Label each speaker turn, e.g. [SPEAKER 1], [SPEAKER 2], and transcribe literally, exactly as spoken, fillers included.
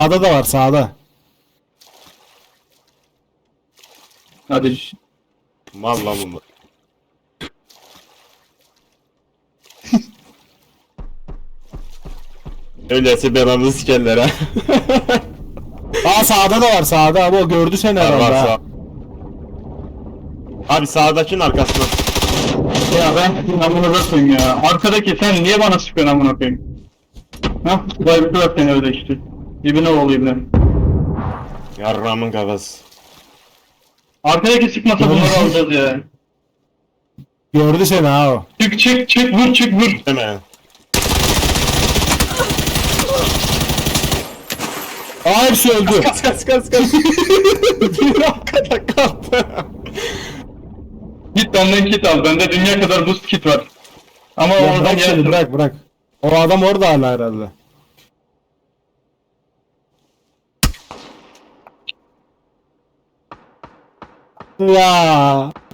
[SPEAKER 1] Sağda da var sağda.
[SPEAKER 2] Hadi.
[SPEAKER 3] Mal lan bunlar. Öyleyse belanı sikerler ha.
[SPEAKER 1] Aa sağda da var sağda ama o gördü seni
[SPEAKER 3] Var
[SPEAKER 1] herhalde.
[SPEAKER 3] var
[SPEAKER 1] ha.
[SPEAKER 3] sağ. Abi sağdakinin arkasında.
[SPEAKER 2] Ya ben amına koyayım ya. Arkadaki sen niye bana sıkıyorsun amına koyayım? Hah, bayıldılar seni öyle işte. İbine oğlu ibine.
[SPEAKER 3] Yarramın kafası.
[SPEAKER 2] Arkadaki sıkmasa bunları alacağız ya.
[SPEAKER 1] Gördü seni ha o.
[SPEAKER 2] Çık çık çık vur çık vur.
[SPEAKER 3] Hemen.
[SPEAKER 1] Aa hepsi öldü.
[SPEAKER 3] Kas kas kas kas. Bir arkada kaldı.
[SPEAKER 2] Git benden kit al. Bende dünya kadar boost kit var. Ama
[SPEAKER 1] Ya
[SPEAKER 2] oradan
[SPEAKER 1] bırak seni
[SPEAKER 2] yersin.
[SPEAKER 1] bırak bırak. O adam orada hala herhalde. Ya